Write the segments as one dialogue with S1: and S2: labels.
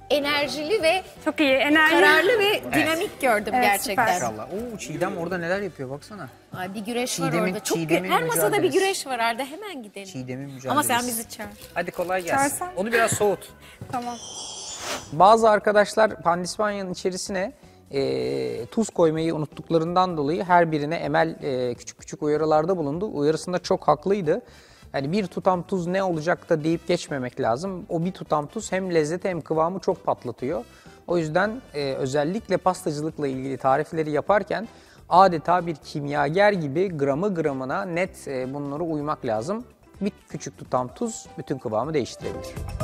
S1: enerjili ve
S2: Çok iyi. Enerji.
S1: kararlı ve dinamik gördüm
S2: Evet,
S1: gerçekten.
S2: süper.
S3: İnşallah. Oo, Çiğdem orada neler yapıyor baksana.
S1: Ay, bir güreş var
S3: Çiğdem'in-
S1: orada. Çok
S3: Çiğdem'in
S1: her masada bir
S3: mücadelesi.
S1: güreş var Arda. Hemen gidelim.
S3: Çiğdem'in mücadelesi.
S1: Ama sen bizi çağır.
S3: Hadi kolay gelsin.
S2: Çağırsan.
S3: Onu biraz soğut.
S2: Tamam.
S3: Bazı arkadaşlar pandispanyanın içerisine tuz koymayı unuttuklarından dolayı her birine Emel küçük küçük uyarılarda bulundu. Uyarısında çok haklıydı. Yani bir tutam tuz ne olacak da deyip geçmemek lazım. O bir tutam tuz hem lezzeti hem kıvamı çok patlatıyor. O yüzden özellikle pastacılıkla ilgili tarifleri yaparken adeta bir kimyager gibi gramı gramına net bunlara uymak lazım. Bir küçük tutam tuz bütün kıvamı değiştirebilir.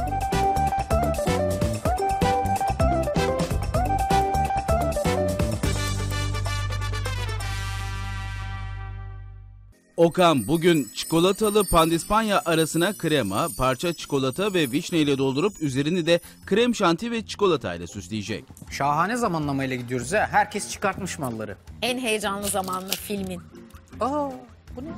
S4: Okan bugün çikolatalı pandispanya arasına krema, parça çikolata ve vişne ile doldurup üzerini de krem şanti ve çikolata ile süsleyecek.
S3: Şahane zamanlamayla gidiyoruz ha. Herkes çıkartmış malları.
S1: En heyecanlı zamanlı filmin.
S3: Aa, bu ne?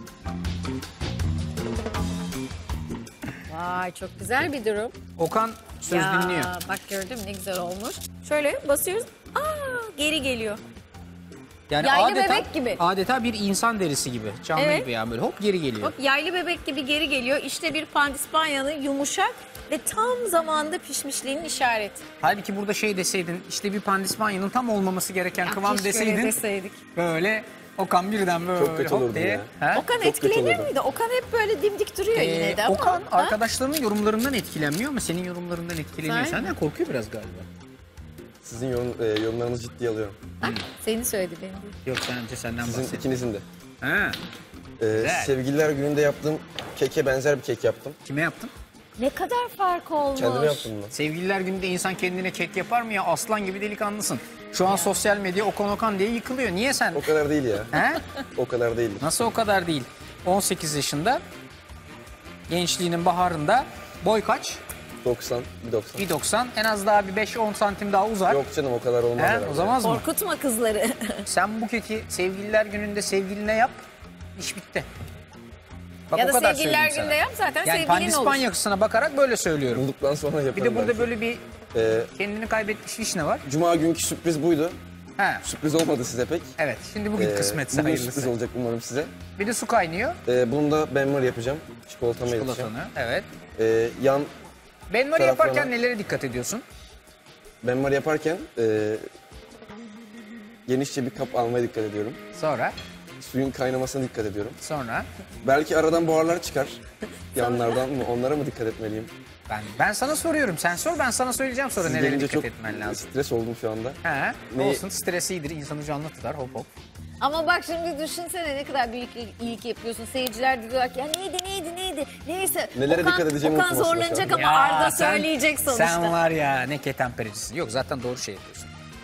S1: Vay, çok güzel bir durum.
S3: Okan söz dinliyor.
S1: Bak gördün mü ne güzel olmuş. Şöyle basıyoruz. Aa, geri geliyor.
S3: Yani
S1: Yaylı
S3: adeta,
S1: bebek gibi.
S3: Adeta bir insan derisi gibi. Canlı
S1: Evet.
S3: gibi yani böyle hop geri geliyor.
S1: Bak, yaylı bebek gibi geri geliyor. İşte bir pandispanyanın yumuşak ve tam zamanda pişmişliğinin işareti.
S3: Halbuki burada şey deseydin işte bir pandispanyanın tam olmaması gereken kıvam
S1: Keşke öyle
S3: deseydin.
S1: deseydik.
S3: Böyle Okan birden böyle
S5: Çok kötü
S3: hop
S5: olurdu
S3: diye.
S5: ya.
S3: Ha?
S1: Okan
S5: Çok kötü
S1: etkilenir
S5: olurdu.
S1: miydi? Okan hep böyle dimdik duruyor yine de ama.
S3: Okan
S1: Ha?
S3: arkadaşlarının yorumlarından etkilenmiyor ama senin yorumlarından etkileniyor.
S1: Sen-
S3: Senden korkuyor biraz galiba.
S5: Sizin yorumlarınızı ciddiye alıyorum.
S1: Bak, seni söyledi benim değil.
S3: Yok sence senden
S5: Sizin
S3: bahsediyorum.
S5: ikinizin de.
S3: Ha,
S5: Sevgililer gününde yaptığım keke benzer bir kek yaptım.
S3: kime yaptın?
S1: Ne kadar fark olmuş.
S5: Kendime yaptım bunu.
S3: Sevgililer gününde insan kendine kek yapar mı ya? Aslan gibi delikanlısın. Şu an sosyal medya Okan diye yıkılıyor. Niye sen?
S5: O kadar değil ya.
S3: He?
S5: O kadar değil.
S3: Nasıl o kadar değil? 18 yaşında, gençliğinin baharında, boy kaç?
S5: 90, 1.90.
S3: 1.90, en az daha bir 5-10 santim daha uzar.
S5: Yok canım o kadar olmaz
S3: He?
S5: herhalde.
S3: O zaman mı?
S1: Korkutma kızları.
S3: Sen bu keki sevgililer gününde sevgiline yap, iş bitti. Bak,
S1: ya
S3: o
S1: da
S3: kadar
S1: sevgililer
S3: söyleyeyim
S1: günde
S3: sana.
S1: yap zaten
S3: Yani
S1: sevgilin olur.
S3: pandispanyasına bakarak böyle söylüyorum.
S5: Bulduktan sonra yaparım
S3: Bir de burada
S5: belki.
S3: böyle bir
S5: Ee,
S3: kendini kaybetmiş vişne var.
S5: Cuma günkü sürpriz buydu.
S3: He.
S5: Sürpriz olmadı size pek.
S3: Evet, şimdi bugün kısmetse
S5: Bugün
S3: hayırlısı.
S5: sürpriz olacak umarım size.
S3: Bir de su kaynıyor.
S5: Bunu da benmari yapacağım. Çikolatamı yapacağım.
S3: Çikolatanı, evet.
S5: Yan
S3: Benmari
S5: Taraflarına-
S3: yaparken nelere dikkat ediyorsun?
S5: benmari yaparken genişçe bir kap almaya dikkat ediyorum.
S3: Sonra,
S5: Suyun kaynamasına dikkat ediyorum.
S3: sonra.
S5: Belki aradan buharlar çıkar. Yanlardan mı? Onlara mı dikkat etmeliyim?
S3: Ben sana soruyorum. Sen sor, ben sana söyleyeceğim sonra
S5: Siz
S3: nelere
S5: gelince
S3: dikkat
S5: çok
S3: etmen lazım.
S5: stres oldum şu anda.
S3: He,
S5: Ne-
S3: olsun, stres iyidir, insanı canlı tutar, hop hop.
S1: Ama bak şimdi düşünsene ne kadar büyük iyilik yapıyorsun. Seyirciler de diyorlar ki ya neydi. Neyse.
S5: Nelere dikkat edeceğimi
S1: Okan
S5: unutmasın
S1: zorlanacak
S5: şu an.
S1: ama Arda söyleyecek sonuçta.
S3: Sen var ya ne ketenpericisin. Yok zaten doğru şey yapıyorsun.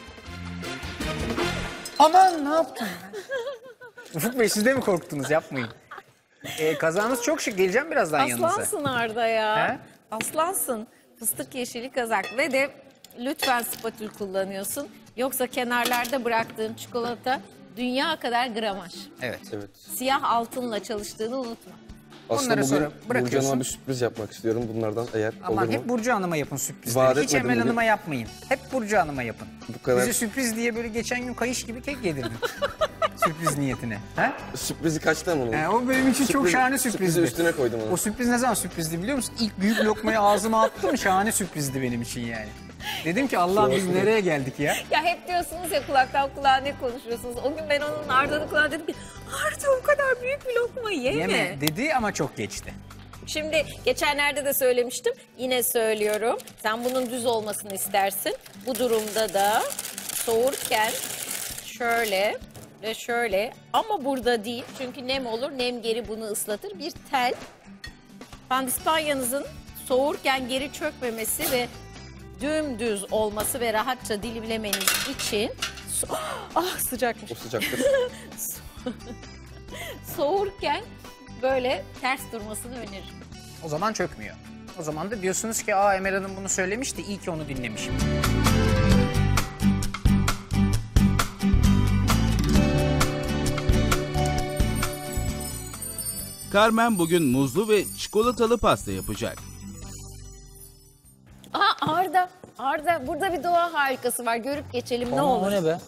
S3: Aman ne yaptın? Ufuk Bey siz de mi korktunuz? Yapmayın. Kazağınız çok şık. Geleceğim birazdan yanınıza.
S1: Aslansın Arda ya.
S3: He?
S1: Aslansın. Fıstık yeşili kazak ve de lütfen spatül kullanıyorsun. Yoksa kenarlarda bıraktığın çikolata dünya kadar gramaj.
S3: Evet.
S5: Evet.
S1: Siyah altınla çalıştığını unutma.
S5: Aslında
S3: Onları sonra
S5: bugün
S3: bırakıyorsun.
S5: Burcu Hanım'a bir sürpriz yapmak istiyorum bunlardan eğer
S3: Aman
S5: olur mu?
S3: hep Burcu Hanım'a yapın sürprizleri.
S5: Vaat
S3: Hiç
S5: etmedim
S3: Emel
S5: bugün.
S3: Hanım'a yapmayın. Hep Burcu Hanım'a yapın.
S5: Bu kadar-
S3: Bize sürpriz diye böyle geçen gün kayış gibi kek yedirdin. Sürpriz niyetine. Ha?
S5: Sürprizi kaçtı ama onun.
S3: O benim için çok şahane sürprizdi.
S5: Sürprizi üstüne koydum onu.
S3: O sürpriz ne zaman sürprizdi biliyor musun? İlk büyük lokmayı ağzıma attım, şahane sürprizdi benim için yani. Dedim ki Allah'ım biz nereye geldik ya?
S1: Ya hep diyorsunuz ya kulaktan kulağa ne konuşuyorsunuz. O gün ben onun Arda'nın kulağına dedim ki Arda o kadar büyük bir lokma yeme.
S3: Yeme dedi ama çok geçti.
S1: Şimdi geçenlerde de söylemiştim. Yine söylüyorum. Sen bunun düz olmasını istersin. Bu durumda da soğurken şöyle ve şöyle ama burada değil. Çünkü nem olur. Nem geri bunu ıslatır. Bir tel. Pandispanyanızın soğurken geri çökmemesi ve dümdüz olması ve rahatça dilimlemeniz için sıcakmış.
S5: O sıcaktır.
S1: Soğurken böyle ters durmasını öneririm.
S3: O zaman çökmüyor. O zaman da diyorsunuz ki Emel Hanım bunu söylemişti, iyi ki onu dinlemişim.
S4: Carmen bugün muzlu ve çikolatalı pasta yapacak.
S1: Arda Arda burada bir doğa harikası var. Görüp geçelim ne
S3: Aman,
S1: olur.
S3: o ne be?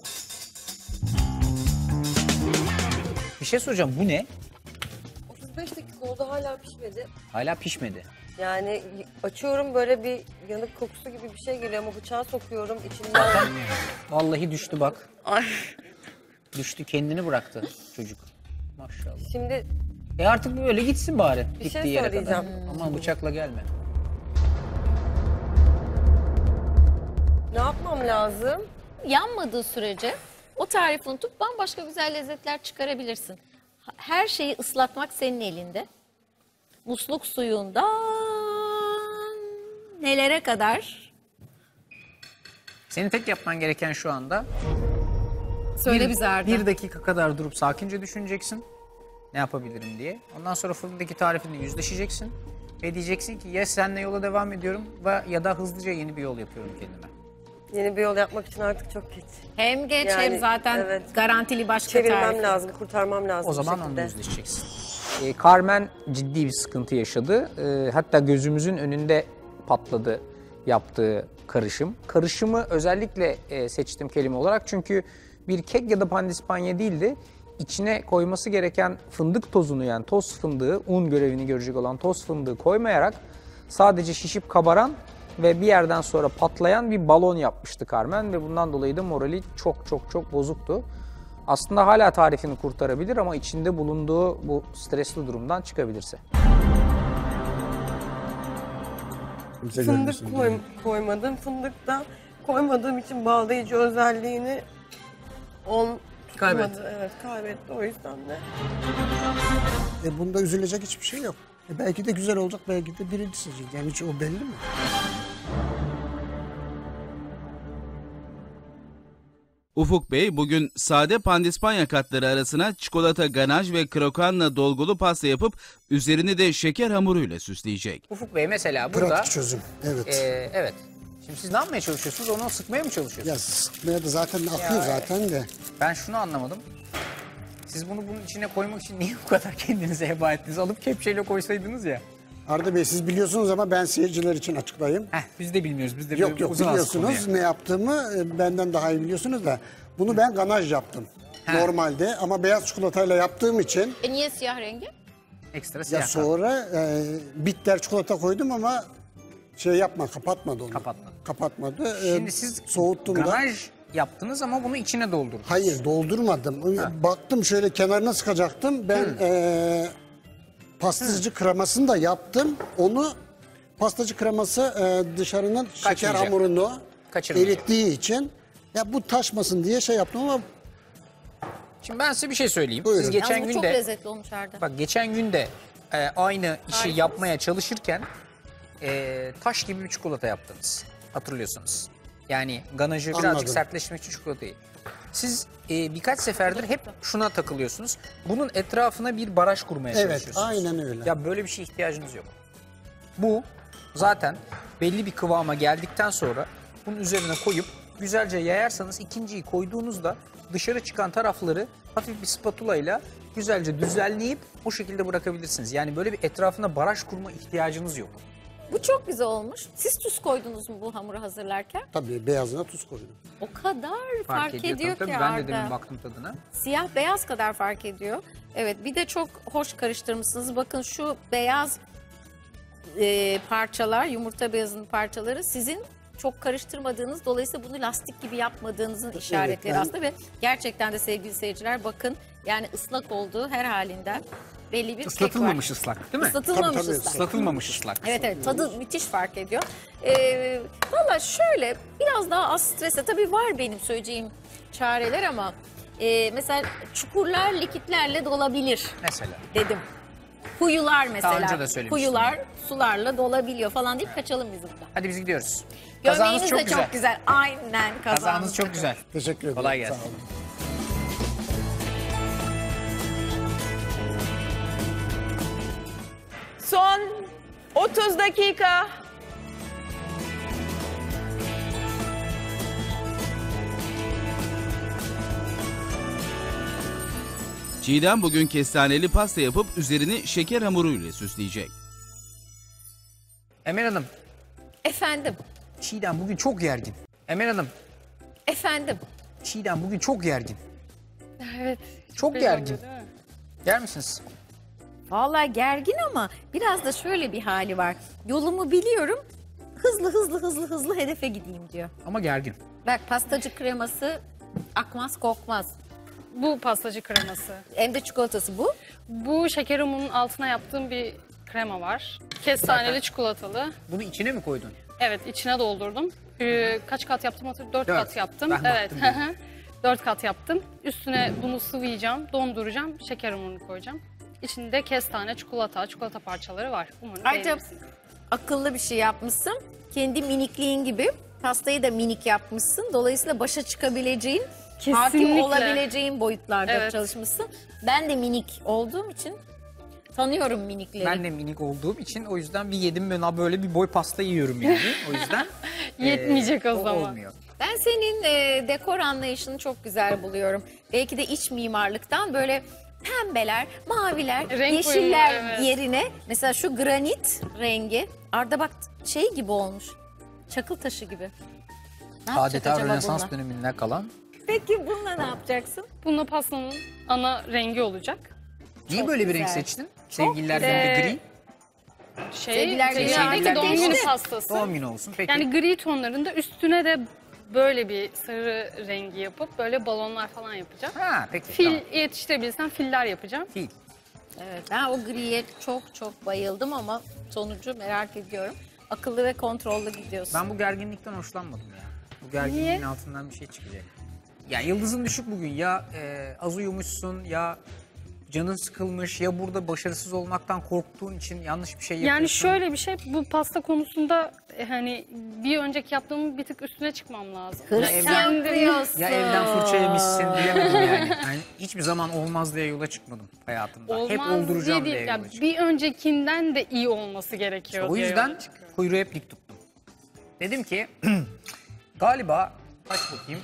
S3: Bir şey soracağım, bu ne?
S2: 35 dakika oldu hala pişmedi.
S3: Hala pişmedi.
S2: Yani açıyorum böyle bir yanık kokusu gibi bir şey geliyor ama bıçağı sokuyorum içinden.
S3: Vallahi düştü bak.
S2: Ay.
S3: Düştü, kendini bıraktı çocuk. Maşallah.
S2: Şimdi
S3: Artık böyle gitsin bari.
S2: Bir şey
S3: gittiği yere kadar.
S2: söyleyeceğim.
S3: Aman bıçakla gelme.
S2: ne yapmam lazım?
S1: Yanmadığı sürece o tarifi unutup bambaşka güzel lezzetler çıkarabilirsin. Her şeyi ıslatmak senin elinde. Musluk suyundan nelere kadar?
S3: Senin tek yapman gereken şu anda
S1: Söyle bize Arda.
S3: bir dakika kadar durup sakince düşüneceksin. Ne yapabilirim diye. Ondan sonra fırındaki tarifinle yüzleşeceksin. Ve diyeceksin ki ya seninle yola devam ediyorum ya da hızlıca yeni bir yol yapıyorum kendime.
S2: Yeni bir yol yapmak için artık çok geç.
S1: Hem geç
S2: Yani,
S1: hem zaten
S2: evet.
S1: garantili başka
S2: Çevirmem
S1: tarif.
S2: lazım, kurtarmam lazım.
S3: O
S2: bir
S3: zaman
S2: şekilde.
S3: onunla yüzleşeceksin. Carmen ciddi bir sıkıntı yaşadı. Hatta gözümüzün önünde patladı yaptığı karışım. Karışımı özellikle seçtim kelime olarak çünkü bir kek ya da pandispanya değildi. İçine koyması gereken fındık tozunu, yani toz fındığı, un görevini görecek olan toz fındığı koymayarak sadece şişip kabaran ve bir yerden sonra patlayan bir balon yapmıştı Carmen ve bundan dolayı da morali çok bozuktu. Aslında hala tarifini kurtarabilir ama içinde bulunduğu bu stresli durumdan çıkabilirse.
S2: Fındık koymadım. Fındık da koymadığım için bağlayıcı özelliğini
S3: Kaybetti.
S2: Evet, kaybetti o yüzden de.
S6: Bunda üzülecek hiçbir şey yok. Belki de güzel olacak, belki de birinci seçecek. Yani hiç o belli mi?
S4: Ufuk Bey bugün sade pandispanya katları arasına çikolata ganaj ve krokanla dolgulu pasta yapıp üzerini de şeker hamuruyla süsleyecek.
S3: Ufuk Bey mesela burada...
S6: Pratik çözüm. Evet.
S3: Evet. Şimdi siz ne yapmaya çalışıyorsunuz? Onu sıkmaya mı çalışıyorsunuz?
S6: Ya sıkmaya da zaten akıyor zaten de.
S3: Ben şunu anlamadım. Siz bunu bunun içine koymak için niye bu kadar kendinize heba ettiniz? Alıp kepçeyle koysaydınız ya.
S6: Arda Bey siz biliyorsunuz ama ben seyirciler için açıklayayım.
S3: Biz de bilmiyoruz. Biz de
S6: Yok biliyorsunuz ne yaptığımı benden daha iyi biliyorsunuz da. Bunu ben ganaj yaptım. Normalde ama beyaz çikolatayla yaptığım için
S1: Niye siyah rengi?
S3: Ekstra
S6: ya
S3: siyah
S6: sonra bitter çikolata koydum ama kapatmadı onu. Kapatmadı.
S3: Şimdi siz
S6: soğuttum da.
S3: ganaj yaptınız ama bunu içine doldurdunuz.
S6: Hayır doldurmadım. Baktım şöyle kenarına sıkacaktım. Ben pastacı kremasını da yaptım. Onu pastacı kreması dışarının şeker
S3: Kaçmayacak.
S6: hamurunu
S3: Kaçırmayacak.
S6: erittiği için ya bu taşmasın diye şey yaptım ama
S3: Şimdi ben size bir şey söyleyeyim.
S6: Buyurun.
S3: Siz geçen
S1: Yalnız bu
S3: gün
S1: çok
S3: de
S1: lezzetli olmuş Arda.
S3: bak geçen gün de aynı işi
S1: Harikasınız.
S3: yapmaya çalışırken taş gibi bir çikolata yaptınız. Hatırlıyorsunuz. Yani ganajı birazcık
S6: Anladım.
S3: sertleştirmek için çikolatayı. Siz birkaç seferdir hep şuna takılıyorsunuz. Bunun etrafına bir baraj kurmaya
S6: evet
S3: çalışıyorsunuz.
S6: aynen öyle.
S3: Ya böyle bir şeye ihtiyacınız yok. Bu zaten belli bir kıvama geldikten sonra bunun üzerine koyup güzelce yayarsanız ikinciyi koyduğunuzda dışarı çıkan tarafları hafif bir spatula ile güzelce düzenleyip o şekilde bırakabilirsiniz. Yani böyle bir etrafına baraj kurma ihtiyacınız yok.
S1: Bu çok güzel olmuş. Siz tuz koydunuz mu bu hamuru hazırlarken?
S6: Tabii beyazına tuz koydum.
S1: O kadar fark ediyor
S3: tabii.
S1: ki
S3: Ben de demin
S1: Arda.
S3: baktım tadına.
S1: Siyah beyaz kadar fark ediyor. Evet, bir de çok hoş karıştırmışsınız. Bakın şu beyaz parçalar, yumurta beyazının parçaları sizin çok karıştırmadığınız, dolayısıyla bunu lastik gibi yapmadığınızın işaretleri
S6: ben-
S1: aslında ve gerçekten de sevgili seyirciler bakın yani ıslak olduğu her halinden belli bir kek var.
S3: Islatılmamış ıslak değil mi?
S1: Islatılmamış
S6: Tabii, tabii,
S1: ıslak.
S3: Islatılmamış ıslak.
S1: Evet evet, tadı müthiş fark ediyor. Valla şöyle biraz daha az strese tabii var benim söyleyeceğim çareler ama mesela çukurlar likitlerle dolabilir
S3: Mesela.
S1: dedim. Kuyular mesela.
S3: önce de söylemiştim.
S1: Kuyular sularla dolabiliyor falan deyip kaçalım biz buradan.
S3: Hadi biz gidiyoruz. Kazanız
S1: Gömleğiniz
S3: çok
S1: de
S3: güzel.
S1: çok güzel. Aynen kazanız.
S3: Kazanız çok
S1: da
S3: güzel.
S6: Teşekkür ederim.
S3: Kolay gelsin.
S6: Sağ olun.
S7: Son 30 dakika.
S4: Çiğdem bugün kestaneli pasta yapıp üzerini şeker hamuruyla süsleyecek.
S3: Emel Hanım,
S1: Efendim
S3: Çiğdem bugün çok gergin. Emel Hanım,
S1: Efendim.
S3: Çiğdem bugün çok gergin.
S8: Evet.
S3: Çok
S8: belli
S3: gergin.
S8: oluyor, değil mi?
S3: Yer misiniz?
S1: Vallahi gergin ama biraz da şöyle bir hali var. Yolumu biliyorum. Hızlı hedefe gideyim diyor.
S3: Ama gergin.
S1: Bak pastacı kreması akmaz kokmaz.
S8: Bu pastacı kreması.
S1: Hem de çikolatası bu.
S8: Bu şeker umunun altına yaptığım bir krema var. Kestaneli çikolatalı.
S3: Bunu içine mi koydun?
S8: Evet, içine doldurdum. Kaç kat yaptım hatırlıyorum? 4
S3: Dört.
S8: kat yaptım.
S3: Ben
S8: Evet.
S3: baktım
S8: 4 kat yaptım. Üstüne bunu sıvayacağım, donduracağım, şeker ununu koyacağım. İçinde kestane, çikolata parçaları var. Umarım
S1: Ayrıca
S8: beğenirsiniz.
S1: akıllı bir şey yapmışsın. Kendi minikliğin gibi pastayı da minik yapmışsın. Dolayısıyla başa çıkabileceğin, hakim
S8: Kesinlikle.
S1: olabileceğin boyutlarda
S8: Evet.
S1: çalışmışsın. Ben de minik olduğum için tanıyorum minikleri.
S3: Ben de minik olduğum için o yüzden bir yedim ben böyle bir boy pasta yiyorum yani. O yüzden
S8: Yetmeyecek o zaman.
S3: olmuyor.
S1: Ben senin dekor anlayışını çok güzel buluyorum. Belki de iç mimarlıktan böyle pembeler, maviler,
S8: Renk
S1: yeşiller
S8: uyumu, evet.
S1: yerine mesela şu granit rengi Arda bak şey gibi olmuş. Çakıl taşı gibi. Ne yapacak
S3: Adeta
S1: acaba
S3: Rönesans
S1: bununla?
S3: döneminden kalan.
S1: Peki bununla ne yapacaksın?
S8: Bununla pastanın ana rengi olacak.
S3: Niye
S1: Çok
S3: böyle bir renk
S1: güzel.
S3: seçtin? Sevgililer
S8: güzel.
S3: günü gri.
S1: Sevgililer günü
S8: Sevgililer
S1: artık
S8: doğum
S1: geçti.
S8: günü pastası.
S3: Doğum günü olsun. Peki.
S8: Yani gri tonlarında üstüne de böyle bir sarı rengi yapıp böyle balonlar falan yapacağım.
S3: Ha peki.
S8: Fil
S3: Tamam.
S8: yetiştirebilirsem filler yapacağım.
S3: Fil.
S1: Evet, ben o griye çok bayıldım ama sonucu merak ediyorum. Akıllı ve kontrollü gidiyorsun.
S3: Ben bu gerginlikten hoşlanmadım ya. Bu gerginliğin
S8: Niye?
S3: altından bir şey çıkacak. Ya yıldızın düşük bugün. Ya az uyumuşsun ya canın sıkılmış ya burada başarısız olmaktan korktuğun için yanlış bir şey yapıyorsun.
S8: Yani şöyle bir şey, bu pasta konusunda hani bir önceki yaptığımın bir tık üstüne çıkmam lazım.
S1: Hırs
S8: Kendim-
S1: yapıyorsun.
S3: Ya evden fırça yemişsin diyemedim yani. Yani hiçbir zaman olmaz diye yola çıkmadım hayatımda.
S8: Olmaz
S3: Hep olduracağım diye
S8: değil.
S3: yola
S8: Ya
S3: çıktım.
S8: bir öncekinden de iyi olması gerekiyor
S3: O
S8: diye
S3: yüzden
S8: yola çıkıyorum.
S3: kuyruğu hep dik tuttum. Dedim ki galiba kaç bakayım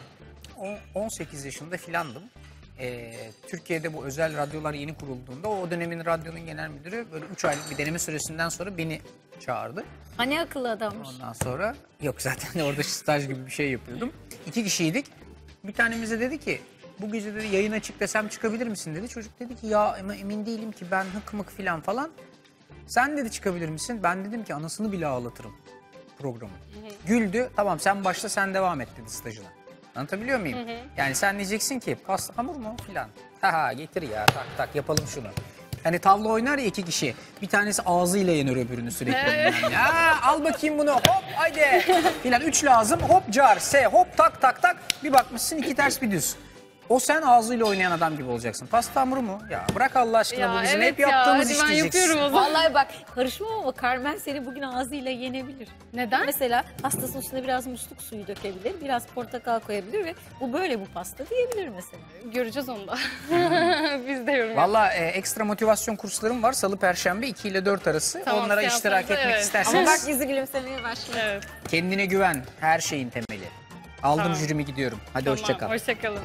S3: 18 yaşında filandım. Türkiye'de bu özel radyolar yeni kurulduğunda o dönemin radyonun genel müdürü böyle 3 aylık bir deneme süresinden sonra beni çağırdı.
S1: Hani akıllı adammış.
S3: Ondan sonra yok zaten orada staj gibi bir şey yapıyordum. 2 kişiydik. Bir tanemize dedi ki bu gece dedi yayına çık desem çıkabilir misin dedi. Çocuk dedi ki ya ama emin değilim ki ben hık mık filan falan. Sen dedi çıkabilir misin? Ben dedim ki anasını bile ağlatırım programı. Güldü. Tamam sen başla sen devam et dedi stajına. Anlatabiliyor muyum? Yani sen diyeceksin ki pasta hamur mu filan. Ha getir ya tak tak yapalım şunu. Hani tavla oynar ya 2 kişi. Bir tanesi ağzıyla yener öbürünü sürekli. Yani. Ya, al bakayım bunu hop haydi. Filan 3 lazım hop car se hop tak tak tak. Bir bakmışsın 2 ters bir düz. O sen ağzıyla oynayan adam gibi olacaksın. Pasta hamuru mu? Ya bırak Allah aşkına bu bizim hep yaptığımız
S8: hadi
S3: iş
S8: ben
S3: diyeceksin.
S8: yapıyorum o zaman.
S1: Vallahi bak karışmam ama Carmen seni bugün ağzıyla yenebilir.
S8: Neden?
S1: Mesela pastasının üstüne biraz musluk suyu dökebilir, biraz portakal koyabilir ve bu böyle bu pasta diyebilir mesela.
S8: Göreceğiz onu da. Biz de yorum
S3: Valla ekstra motivasyon kurslarım var. Salı, Perşembe 2 ile 4 arası.
S8: Tamam,
S3: Onlara
S8: seanslarda,
S3: iştirak etmek
S8: evet.
S3: isterseniz
S1: Ama bak yüzü gülümsemeye başladı.
S8: Evet.
S3: kendine güven. Her şeyin temeli. Aldım
S8: Tamam.
S3: jürimi gidiyorum. Hadi
S8: Tamam,
S3: hoşça kal.
S8: hoşçakalın.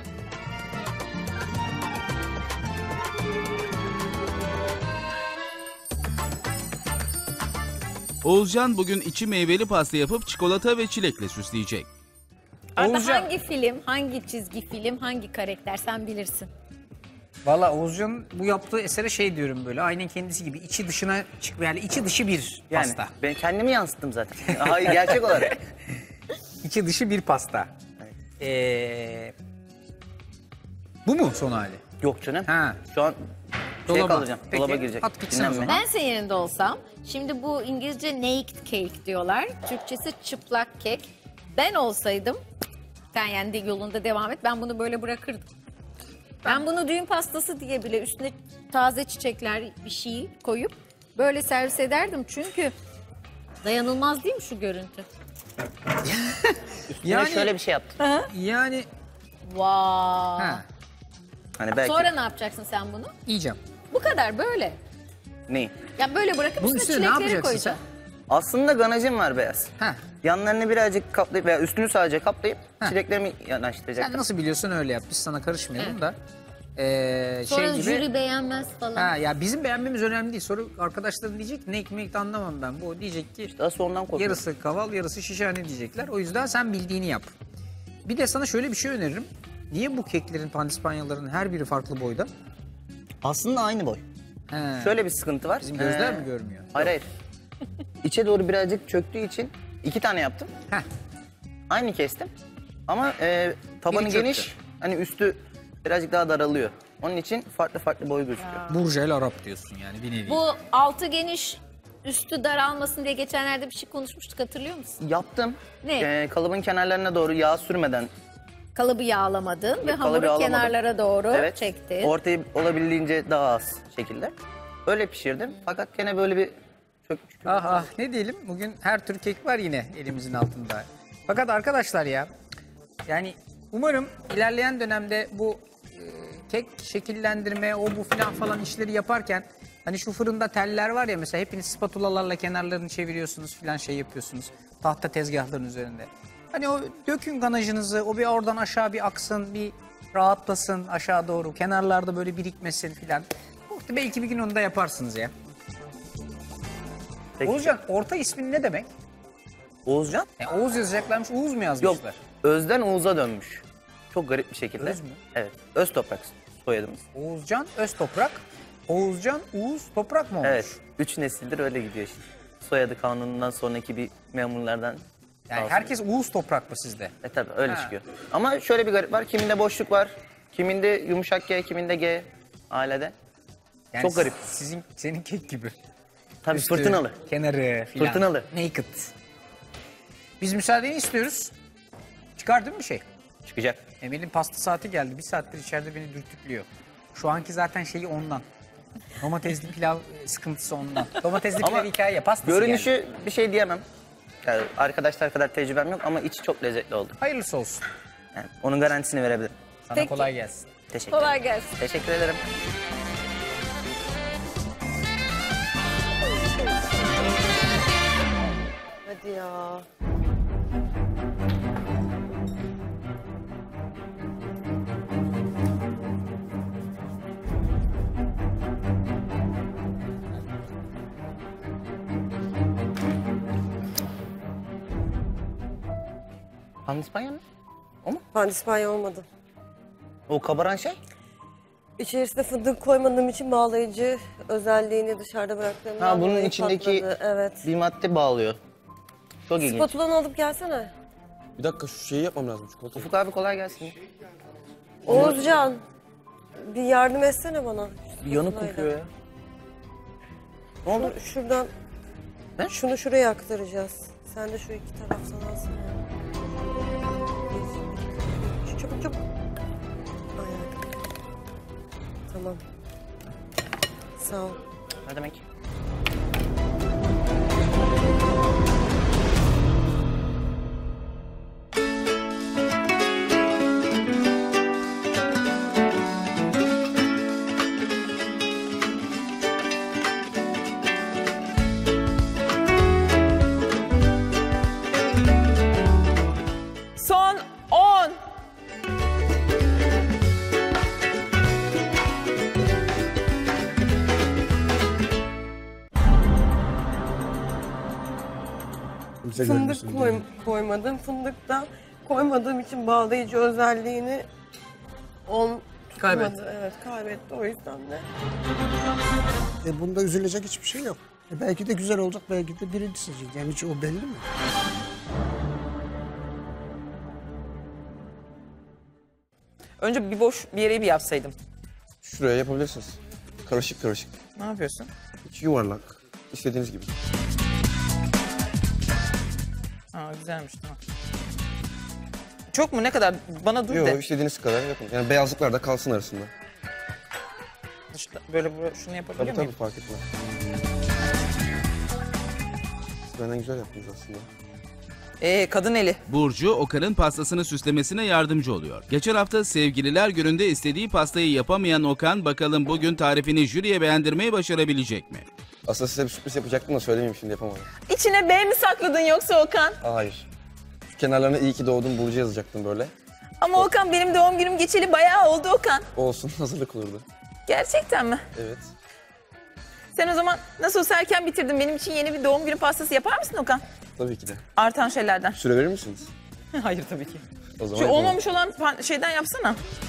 S4: Oğuzcan bugün içi meyveli pasta yapıp çikolata ve çilekle süsleyecek.
S1: Arda
S3: Oğuzcan.
S1: hangi film, hangi çizgi film, hangi karakter sen bilirsin.
S3: Valla Oğuzcan'ın bu yaptığı esere şey diyorum böyle. Aynen kendisi gibi içi dışına çık yani içi dışı bir
S9: Yani
S3: pasta.
S9: ben kendimi yansıttım zaten. Hayır gerçek olarak.
S3: İçi dışı bir pasta. Bu mu son hali?
S9: Yok canım.
S3: Ha.
S9: Şu an
S3: Dolaba.
S9: kalacağım.
S3: Peki,
S9: Dolaba girecek.
S3: at gitsin o
S9: Dinlenme.
S3: zaman.
S1: Ben senin yerinde olsam, şimdi bu İngilizce naked cake diyorlar. Türkçesi çıplak kek. Ben olsaydım, sen yani de yolunda devam et, ben bunu böyle bırakırdım. Ben bunu düğün pastası diye bile üstüne taze çiçekler bir şey koyup böyle servis ederdim. Çünkü dayanılmaz değil mi şu görüntü?
S9: Üstüne
S3: Yani-
S9: şöyle bir şey yaptım.
S3: Yani
S1: Vay.
S3: ha,
S9: Hani belki
S1: Sonra ne yapacaksın sen bunu?
S3: yiyeceğim.
S1: Bu kadar böyle.
S9: neyi?
S1: Ya böyle bırakıp
S3: Bunun
S1: üstüne
S3: üstüne ne
S1: çilekleri
S3: yapacaksın sen?
S1: koyacaksın.
S9: Aslında ganajım var beyaz.
S3: Ha.
S9: Yanlarını birazcık kaplayıp veya üstünü sadece kaplayıp çileklerimi
S3: Sen
S9: yanaştıracaktım.
S3: nasıl biliyorsun öyle yap. Biz sana karışmayalım da.
S1: Sonra
S3: gibi.
S1: jüri beğenmez falan.
S3: Ha, ya bizim beğenmemiz önemli değil. Sonra arkadaşların diyecek ne ekmek anlamam ben. Bu diyecek ki
S9: Asıl ondan korkuyorum.
S3: yarısı kaval yarısı şişhane diyecekler. O yüzden sen bildiğini yap. Bir de sana şöyle bir şey öneririm. Niye bu keklerin, pandispanyaların her biri farklı boyda?
S9: Aslında aynı boy.
S3: He.
S9: Şöyle bir sıkıntı var.
S3: Bizim gözler mi görmüyor?
S9: Hayır hayır. İçe doğru birazcık çöktüğü için 2 tane yaptım.
S3: Heh.
S9: Aynı kestim. Ama tabanı
S3: Biri çöktü.
S9: geniş. Hani üstü birazcık daha daralıyor. Onun için farklı farklı boy gözüküyor.
S3: Burjel Arap diyorsun yani bir nevi.
S1: Bu altı geniş, üstü daralmasın diye geçenlerde bir şey konuşmuştuk, hatırlıyor musun?
S9: Yaptım.
S1: Ne?
S9: Kalıbın kenarlarına doğru yağ sürmeden.
S1: Kalıbı yağlamadın ve
S9: Kalıbı
S1: hamuru
S9: yağlamadım.
S1: kenarlara doğru
S9: Evet.
S1: çektin.
S9: Ortayı olabildiğince daha az şekilde. Öyle pişirdim. Fakat gene böyle bir çökmüş.
S3: Ah ah ne diyelim bugün her tür kek var yine elimizin altında. Fakat arkadaşlar ya yani umarım ilerleyen dönemde bu kek şekillendirme o bu falan işleri yaparken hani şu fırında teller var ya mesela hepiniz spatulalarla kenarlarını çeviriyorsunuz falan şey yapıyorsunuz tahta tezgahların üzerinde. Hani o dökün ganajınızı o bir oradan aşağı bir aksın bir rahatlasın aşağı doğru kenarlarda böyle birikmesin falan. Belki bir gün onu da yaparsınız ya.
S9: Peki.
S3: Oğuzcan orta ismin ne demek?
S9: Oğuzcan?
S3: Oğuz yazacaklarmış, Uğuz mu yazmışlar?
S9: Yok. Özden Oğuz'a dönmüş. Çok garip bir şekilde.
S3: Öz mü?
S9: Evet. Öz Toprak soyadımız.
S3: Oğuzcan Öztoprak, Oğuzcan Uğuz Toprak mı olmuş?
S9: Evet. 3 nesildir öyle gidiyor işte. Soyadı kanunundan sonraki bir memurlardan.
S3: Yani herkes Uğuz Toprak mı sizde?
S9: Tabii öyle
S3: Ha.
S9: çıkıyor. Ama şöyle bir garip var. Kiminde boşluk var. Kiminde yumuşak G, kiminde G ailede.
S3: Yani
S9: Çok garip.
S3: Senin kek gibi.
S9: Tabii
S3: Üstü,
S9: fırtınalı.
S3: Kenarı filan.
S9: Fırtınalı.
S3: Naked. Biz müsaadeni istiyoruz. Çıkar değil mi bir şey?
S9: Çıkacak.
S3: Emel'in pasta saati geldi. Bir saattir içeride beni dürtüklüyor. Şu anki zaten şeyi ondan. Domatesli pilav sıkıntısı ondan. Domatesli
S9: Ama
S3: pilav hikaye pastası
S9: Görünüşü
S3: geldi.
S9: bir şey diyemem. Yani arkadaşlar kadar tecrübem yok ama içi çok lezzetli oldu.
S3: Hayırlısı olsun.
S9: Yani onun garantisini verebilirim.
S3: Sana
S1: Peki.
S3: kolay gelsin.
S9: Teşekkür
S1: Kolay
S9: ederim.
S1: gelsin.
S9: Teşekkür ederim.
S2: Hadi ya.
S9: Pandispanya mı?
S2: Pandispanya olmadı.
S9: O kabaran şey?
S2: İçerisine fındık koymadığım için bağlayıcı özelliğini dışarıda bıraktığımdan
S9: Ha bunun
S2: dolayı
S9: içindeki
S2: patladı. Evet.
S9: bir madde bağlıyor. Çok ilginç.
S2: Spatulanı alıp gelsene.
S5: Bir dakika şu şeyi yapmam lazım çikolata.
S9: Ufuk abi kolay gelsin.
S2: Oğuzcan. Bir yardım etsene bana.
S9: Bir yanık
S2: Spatulayla.
S9: kokuyor ya. Ne oldu?
S2: Şuradan.
S9: Ne?
S2: Şunu şuraya aktaracağız. Sen de şu iki taraftan alsana. Çabuk çabuk. Aynen. Tamam. Sağ ol.
S9: Ne demek?
S7: Son 10.
S6: Kimse
S2: Fındık
S6: görmesin.
S2: koymadım. Fındık da koymadığım için bağlayıcı özelliğini
S3: Kaybetti.
S2: tutmadı. Evet kaybetti o yüzden de.
S6: Bunda üzülecek hiçbir şey yok. Belki de güzel olacak, belki de birinci seçecek. Yani hiç o belli mi?
S7: Önce bir boş bir yere bir yapsaydım.
S5: Şuraya yapabilirsiniz. Karışık karışık.
S3: Ne yapıyorsun?
S5: Hiç yuvarlak. İstediğiniz gibi.
S7: Aa güzelmiş tamam. Çok mu ne kadar? Bana dur
S5: Yok
S7: de.
S5: istediğiniz kadar yapın. Yani beyazlıklar da kalsın arasında.
S7: İşte böyle şunu yapabilir
S5: Tabii
S7: miyim?
S5: tabii fark etmez. Siz benden güzel yaptınız aslında.
S7: Kadın eli.
S4: Burcu, Okan'ın pastasını süslemesine yardımcı oluyor. Geçen hafta Sevgililer Günü'nde istediği pastayı yapamayan Okan, bakalım bugün tarifini jüriye beğendirmeyi başarabilecek mi?
S5: Aslında size bir sürpriz yapacaktım da söylemeyeyim şimdi yapamadım.
S7: İçine B mi sakladın yoksa Okan?
S5: Hayır. Şu kenarlarına iyi ki doğdun Burcu yazacaktım böyle.
S7: Ama Okan benim doğum günüm geçeli bayağı oldu Okan.
S5: Olsun, hazırlık olurdu.
S7: Gerçekten mi?
S5: Evet.
S7: Sen o zaman nasıl olsa erken bitirdin. Benim için yeni bir doğum günü pastası yapar mısın Okan?
S5: Tabii ki de.
S7: Artan şeylerden.
S5: Süre verir misiniz?
S7: Hayır tabii ki.
S5: O zaman
S7: Şu
S5: yapalım.
S7: olmamış olan şeyden yapsana.